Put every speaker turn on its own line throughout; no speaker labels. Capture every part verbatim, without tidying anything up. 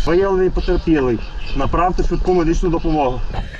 Виявлений потерпілий. Направте швидку медичну допомогу.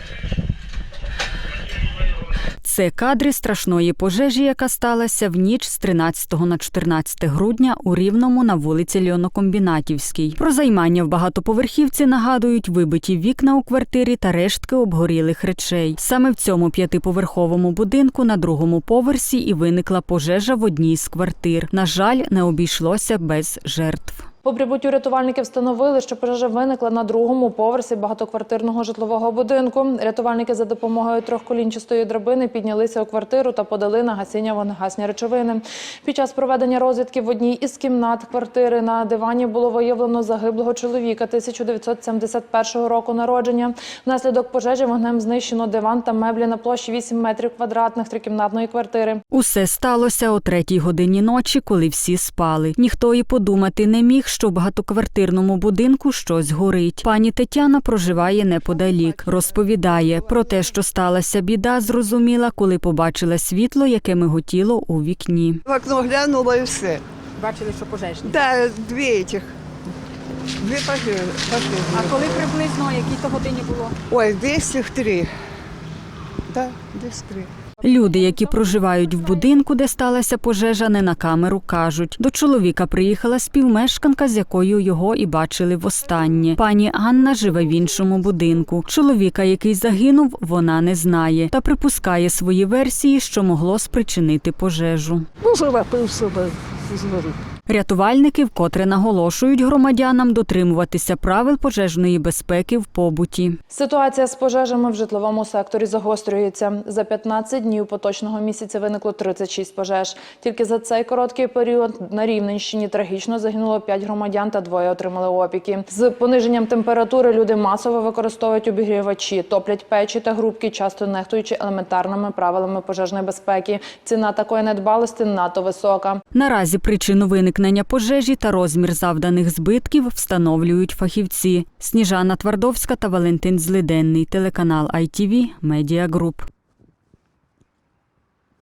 Це кадри страшної пожежі, яка сталася в ніч з тринадцятого на чотирнадцяте грудня у Рівному на вулиці Льонокомбінатівській. Про займання в багатоповерхівці нагадують вибиті вікна у квартирі та рештки обгорілих речей. Саме в цьому п'ятиповерховому будинку на другому поверсі і виникла пожежа в одній з квартир. На жаль, не обійшлося без жертв.
По прибуттю рятувальники встановили, що пожежа виникла на другому поверсі багатоквартирного житлового будинку. Рятувальники за допомогою трьохколінчастої драбини піднялися у квартиру та подали на гасіння вогнегасні речовини. Під час проведення розвідки в одній із кімнат квартири на дивані було виявлено загиблого чоловіка тисяча дев'ятсот сімдесят першого року народження. Внаслідок пожежі вогнем знищено диван та меблі на площі вісім метрів квадратних трикімнатної квартири.
Усе сталося о третій годині ночі, коли всі спали. Ніхто і подумати не міг, що в багатоквартирному будинку щось горить. Пані Тетяна проживає неподалік. Розповідає, про те, що сталася біда, зрозуміла, коли побачила світло, яке миготіло у вікні.
В окно глянула і все.
Бачили, що пожежні?
Так, дві цих. Дві пожежі.
А коли приблизно, якій то годині було?
Ой, десь їх три. Так, десь три.
Люди, які проживають в будинку, де сталася пожежа, не на камеру кажуть. До чоловіка приїхала співмешканка, з якою його і бачили востаннє. Пані Анна живе в іншому будинку. Чоловіка, який загинув, вона не знає. Та припускає свої версії, що могло спричинити пожежу.
Може, напив себе з води.
Рятувальники вкотре наголошують громадянам дотримуватися правил пожежної безпеки в побуті.
Ситуація з пожежами в житловому секторі загострюється. За п'ятнадцять днів поточного місяця виникло тридцять шість пожеж. Тільки за цей короткий період на Рівненщині трагічно загинуло п'ять громадян та двоє отримали опіки. З пониженням температури люди масово використовують обігрівачі, топлять печі та грубки, часто нехтуючи елементарними правилами пожежної безпеки. Ціна такої недбалості надто висока.
Наразі причину виникнення пожежі та розмір завданих збитків встановлюють фахівці. Сніжана Твардовська та Валентин Злиденний, телеканал ай ті ві Медіа Груп.